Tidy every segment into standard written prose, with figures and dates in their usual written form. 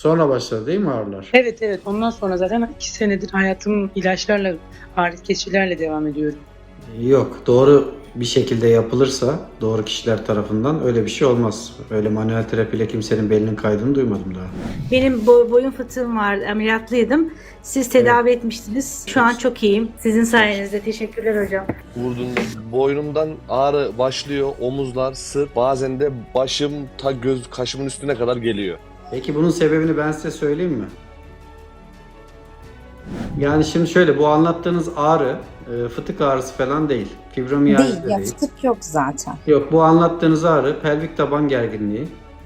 Sonra başladı değil mi ağrılar? Evet evet, ondan sonra zaten 2 senedir hayatım ilaçlarla, ağrı kesicilerle devam ediyorum. Yok, doğru bir şekilde yapılırsa doğru kişiler tarafından öyle bir şey olmaz. Öyle manuel terapiyle kimsenin belinin kaydığını duymadım daha. Benim boyun fıtığım vardı, ameliyatlıydım. Siz tedavi etmiştiniz. Şu an çok iyiyim. Sizin sayenizde. Teşekkürler hocam. Vurduğunda boynumdan ağrı başlıyor, omuzlar, sırt, bazen de başım ta kaşımın üstüne kadar geliyor. Peki bunun sebebini ben size söyleyeyim mi? Yani şimdi şöyle, bu anlattığınız ağrı fıtık ağrısı falan değil. Fibromiyalji Değil, de ya değil. fıtık yok zaten. Yok, bu anlattığınız ağrı pelvik taban gerginliği.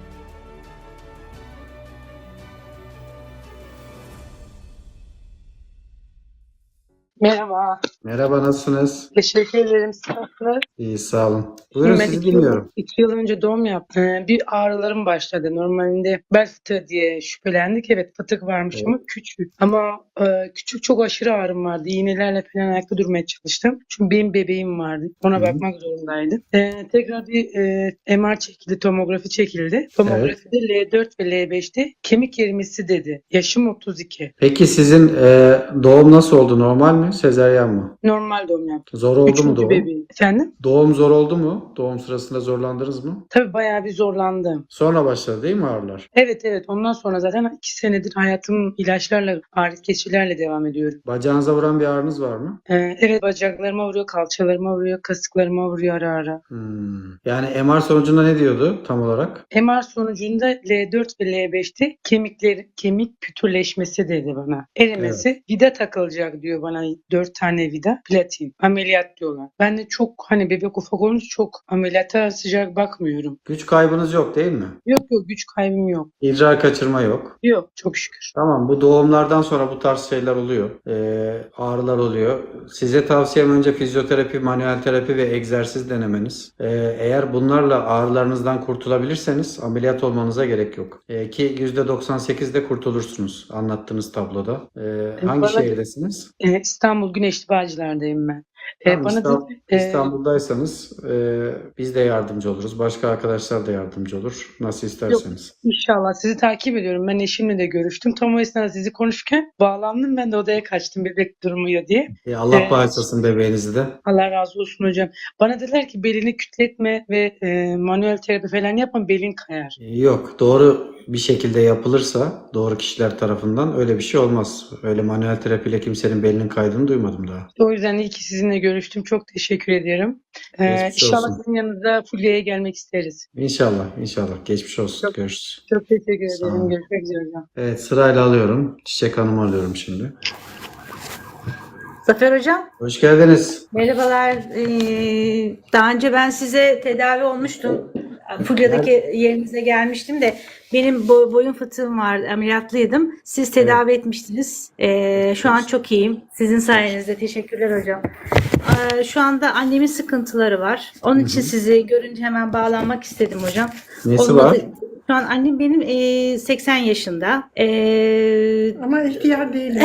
Merhaba. Merhaba, nasılsınız? Teşekkür ederim. Sağ İyi, sağ olun. Buyurun, Ben sizi 2 yıl, dinliyorum. 2 yıl önce doğum yaptım. Bir ağrılarım başladı. Normalde bel fıtığı diye şüphelendik. Evet, fıtık varmış Evet. ama küçük. Ama küçük, çok aşırı ağrım vardı. İğnelerle falan ayakta durmaya çalıştım. Çünkü benim bebeğim vardı. Ona Hı hı. bakmak zorundaydım. Tekrar bir MR çekildi, tomografi çekildi. Tomografide L4 ve L5'te kemik erimesi dedi. Yaşım 32. Peki sizin doğum nasıl oldu? Normal mi? Sezaryen mi? Normal doğum yaptım. Zor oldu mu 3. doğum? bebeğim. Efendim? Doğum zor oldu mu? Doğum sırasında zorlandınız mı? Tabii bayağı bir zorlandım. Sonra başladı değil mi ağrılar? Evet evet, ondan sonra zaten 2 senedir hayatım ilaçlarla, ağrı kesicilerle devam ediyorum. Bacağınıza vuran bir ağrınız var mı? Evet, bacaklarıma vuruyor, kalçalarıma vuruyor, kasıklarıma vuruyor ara ara. Yani MR sonucunda ne diyordu tam olarak? MR sonucunda L4 ve L5'te kemik pütürleşmesi dedi bana. Erimesi, vida takılacak diyor bana, 4 tane vida, platin. Ameliyat diyorlar. Ben de çok, hani bebek ufak olunca çok ameliyata sıcak bakmıyorum. Güç kaybınız yok değil mi? Yok yok, güç kaybım yok. İdrar kaçırma yok. Yok, çok şükür. Tamam, bu doğumlardan sonra bu tarz şeyler oluyor. Ağrılar oluyor. Size tavsiyem önce fizyoterapi, manuel terapi ve egzersiz denemeniz. Eğer bunlarla ağrılarınızdan kurtulabilirseniz ameliyat olmanıza gerek yok. Ki %98'de kurtulursunuz anlattığınız tabloda. Hangi Bana- şehirdesiniz? İstanbul Güneşli Bağcılar'dayım ben. Tamam, Bana İstanbul'daysanız biz de yardımcı oluruz. Başka arkadaşlar da yardımcı olur. Nasıl isterseniz. İnşallah sizi takip ediyorum. Ben eşimle de görüştüm. Tam o esnada sizi konuşurken bağlandım. Ben de odaya kaçtım bebek durmuyor diye. Allah bağışlasın bebeğinizi de. Allah razı olsun hocam. Bana dediler ki belini kütletme ve manuel terapi falan yapma, belin kayar. Yok, doğru bir şekilde yapılırsa doğru kişiler tarafından öyle bir şey olmaz. Öyle manuel terapiyle kimsenin belinin kaydığını duymadım daha. O yüzden iyi ki sizinle görüştüm. Çok teşekkür ediyorum. Geçmiş İnşallah olsun. sizin yanınıza Fulya'ya gelmek isteriz. İnşallah, inşallah. Geçmiş olsun. Çok- Görüşürüz. Çok teşekkür Sağ ederim. olun. Görüşmek üzere hocam. Evet, sırayla alıyorum. Çiçek Hanım'ı alıyorum şimdi. Zafer hocam. Hoş geldiniz. Merhabalar. Daha önce ben size tedavi olmuştum. Fulya'daki yerinize gelmiştim de benim boyun fıtığım vardı, ameliyatlıydım. Siz tedavi etmiştiniz. Şu an çok iyiyim. Sizin sayenizde. Teşekkürler hocam. Şu anda annemin sıkıntıları var. Onun için sizi görünce hemen bağlanmak istedim hocam. Nesi Olmadı. var? Şu an annem benim 80 yaşında. Ama ihtiyar değilim.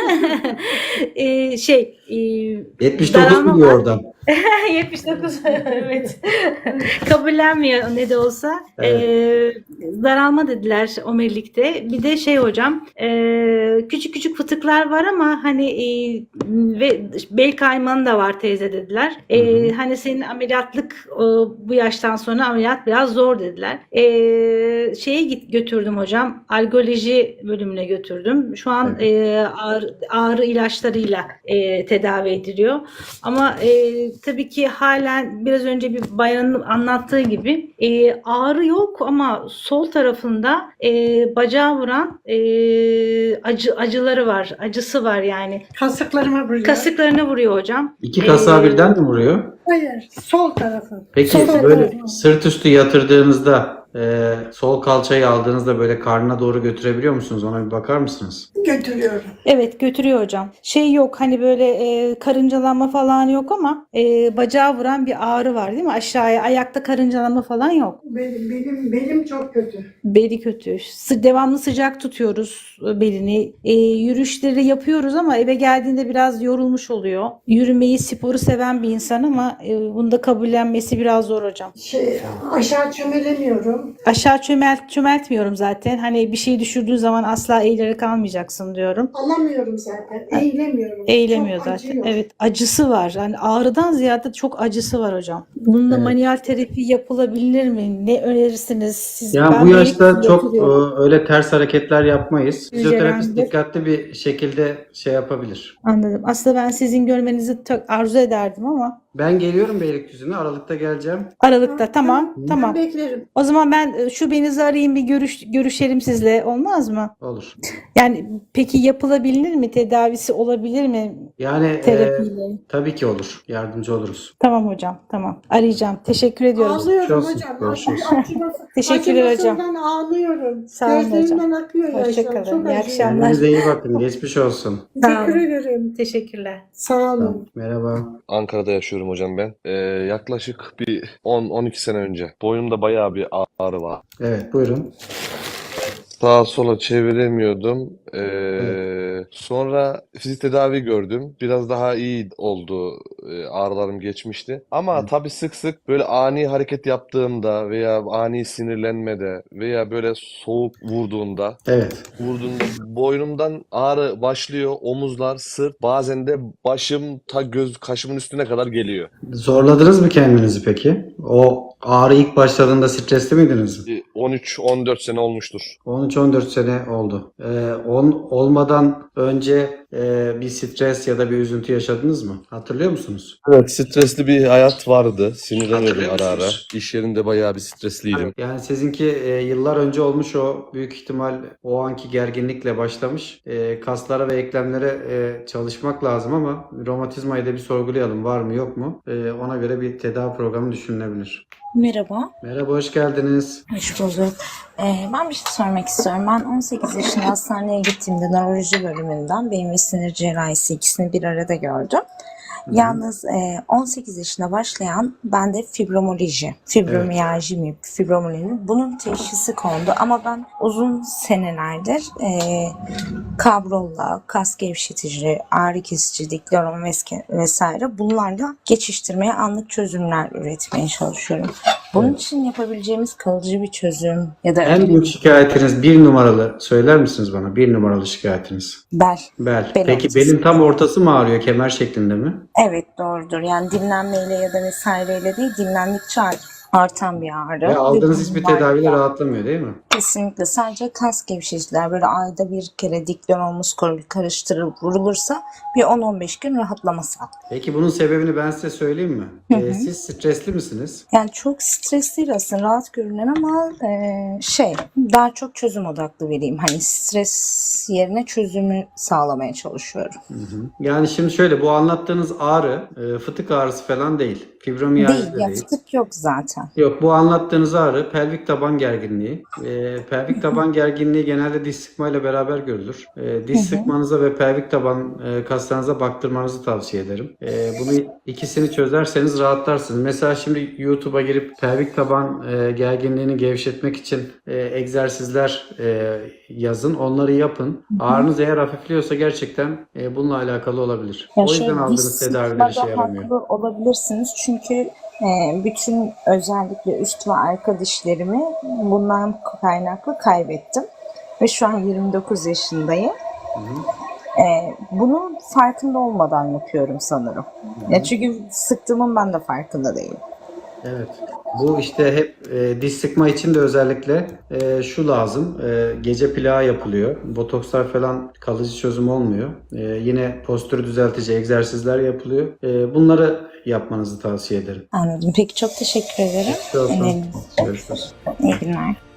79 daralma mu diyor var. oradan? 79 evet. Kabullenmiyor ne de olsa. Daralma dediler omurilikte. Bir de hocam, küçük küçük fıtıklar var ama hani ve bel kaymanı da var teyze dediler. Hani senin ameliyatlık bu yaştan sonra ameliyat biraz zor dediler. Götürdüm hocam. Algoloji bölümüne götürdüm. Şu an ağrı ilaçlarıyla tedavi ediliyor. Ama tabii ki halen biraz önce bir bayanın anlattığı gibi ağrı yok ama sol tarafında bacağı vuran acıları var. Acısı var yani. Kasıklarıma vuruyor. Kasıklarına vuruyor hocam. İki kasağı birden mi vuruyor? Hayır, sol tarafı. Peki Sol böyle tarafı. sırt üstü yatırdığınızda sol kalçayı aldığınızda böyle karnına doğru götürebiliyor musunuz? Ona bir bakar mısınız? Götürüyorum. Evet götürüyor hocam. Yok hani böyle karıncalanma falan yok ama bacağı vuran bir ağrı var değil mi? Aşağıya ayakta karıncalanma falan yok. Benim çok kötü. Beli kötü. Devamlı sıcak tutuyoruz belini. Yürüyüşleri yapıyoruz ama eve geldiğinde biraz yorulmuş oluyor. Yürümeyi, sporu seven bir insan ama bunu da kabullenmesi biraz zor hocam. Aşağı çömelemiyorum. Aşağı çömeltmiyorum zaten. Hani bir şey düşürdüğün zaman asla eğilerek almayacaksın diyorum. Alamıyorum zaten. Eğilemiyorum. Eğilemiyor Çok zaten. acıyor. Evet, acısı var. Yani ağrıdan ziyade çok acısı var hocam. Bununla Evet. manuel terapi yapılabilir mi? Ne önerirsiniz? Siz, Yani ben bu yaşta Beylikdüzü'nde çok oturuyorum. öyle ters hareketler yapmayız. Fizyoterapist Yücelendir. dikkatli bir şekilde şey yapabilir. Anladım. Aslında ben sizin görmenizi çok arzu ederdim ama Ben geliyorum Beylikdüzü'ne. Aralıkta geleceğim. Aralıkta tamam. Ben Tamam. beklerim. O zaman ben şubenizi arayayım bir görüşelim sizle. Olmaz mı? Olur. Yani peki yapılabilir mi? Tedavisi olabilir mi Yani terapiyle? tabii ki olur. Yardımcı oluruz. Tamam hocam. Tamam. Arayacağım. Teşekkür ediyorum. Ağlıyorum Çok hocam. görüşürüz. Teşekkürler hocam. Acımasından ağlıyorum. Sağ olun hocam. Gözlerimden akıyor yaşlar. Hoşçakalın. Çok İyi acıyor. akşamlar. Kendinize iyi bakın. Geçmiş olsun. Teşekkür ederim. Teşekkürler. Sağ olun. Merhaba. Ankara'da yaşıyorum hocam ben. Yaklaşık bir 10-12 sene önce. Boynumda bayağı bir ağrı var. Evet, buyurun. Sağa sola çeviremiyordum. Evet. Sonra fizik tedavi gördüm. Biraz daha iyi oldu. Ağrılarım geçmişti. Ama tabii sık sık böyle ani hareket yaptığımda veya ani sinirlenmede veya böyle soğuk vurduğunda Evet. boynumdan ağrı başlıyor. Omuzlar, sırt, bazen de başım ta kaşımın üstüne kadar geliyor. Zorladınız mı kendinizi peki? O ağrı ilk başladığında stresli miydiniz? 13-14 sene olmuştur. 13-14 sene oldu. Olmadan önce bir stres ya da bir üzüntü yaşadınız mı? Hatırlıyor musunuz? Evet, stresli bir hayat vardı. Sinirleniyordum Hatırlıyor ara ara. musunuz? İş yerinde bayağı bir stresliydim. Yani sizinki yıllar önce olmuş, o büyük ihtimal o anki gerginlikle başlamış. Kaslara ve eklemlere çalışmak lazım ama romatizmayı da bir sorgulayalım. Var mı yok mu? Ona göre bir tedavi programı düşünülebilir. Merhaba, Merhaba, hoş geldiniz. hoş bulduk. Ben bir şey sormak istiyorum. Ben 18 yaşında hastaneye gittiğimde nöroloji bölümünden beyin ve sinir cerrahisi ikisini bir arada gördüm. Yalnız 18 yaşında başlayan bende fibromiyalji mi, fibromiyalji bunun teşhisi kondu. Ama ben uzun senelerdir kabrolla, kas gevşetici, ağrı kesici, dikloron vesaire bunlarla geçiştirmeye, anlık çözümler üretmeye çalışıyorum. Bunun için yapabileceğimiz kalıcı bir çözüm ya da En büyük şikayetiniz, bir numaralı söyler misiniz bana? Bir numaralı şikayetiniz. bel. Bel. Bel Peki ağrısı. belin tam ortası mı ağrıyor? Kemer şeklinde mi? Evet, doğrudur. Yani dinlenmeyle ya da vesaireyle değil, dinlendikçe artan bir ağrı. Ve aldığınız Ve hiçbir bunlar tedaviyle da rahatlamıyor değil mi? kesinlikle sadece kas gevşeticiler böyle ayda bir kere dikloron muskol karıştırılıp vurulursa bir 10-15 gün rahatlama sağlar. Peki bunun sebebini ben size söyleyeyim mi? Siz stresli misiniz? Yani çok stres değil aslında, rahat görünen ama daha çok çözüm odaklı vereyim. Hani stres yerine çözümü sağlamaya çalışıyorum. Yani şimdi şöyle, bu anlattığınız ağrı fıtık ağrısı falan değil. Fibromiyalji Değil de ya, değil. fıtık yok zaten. Yok, bu anlattığınız ağrı pelvik taban gerginliği. Pelvik taban gerginliği genelde diş sıkmayla beraber görülür. Diş sıkmanıza ve pelvik taban kaslarınıza baktırmanızı tavsiye ederim. Bunu ikisini çözerseniz rahatlarsınız. Mesela şimdi YouTube'a girip pelvik taban gerginliğini gevşetmek için egzersizler yazın. Onları yapın. Ağrınız eğer hafifliyorsa gerçekten bununla alakalı olabilir. O yüzden aldığınız tedaviler işe yaramıyor. Haklı olabilirsiniz çünkü bütün özellikle üst ve arka dişlerimi bundan kaynaklı kaybettim. Ve şu an 29 yaşındayım. Bunu farkında olmadan yapıyorum sanırım. Ya çünkü sıktığımın ben de farkında değilim. Evet. Bu işte hep diş sıkma için de özellikle şu lazım. Gece plağı yapılıyor. Botokslar falan kalıcı çözüm olmuyor. Yine postürü düzeltici egzersizler yapılıyor. Bunları yapmanızı tavsiye ederim. Anladım. Peki, çok teşekkür ederim. Görüşürüz. Öneriniz için. Görüşürüz. İyi günler.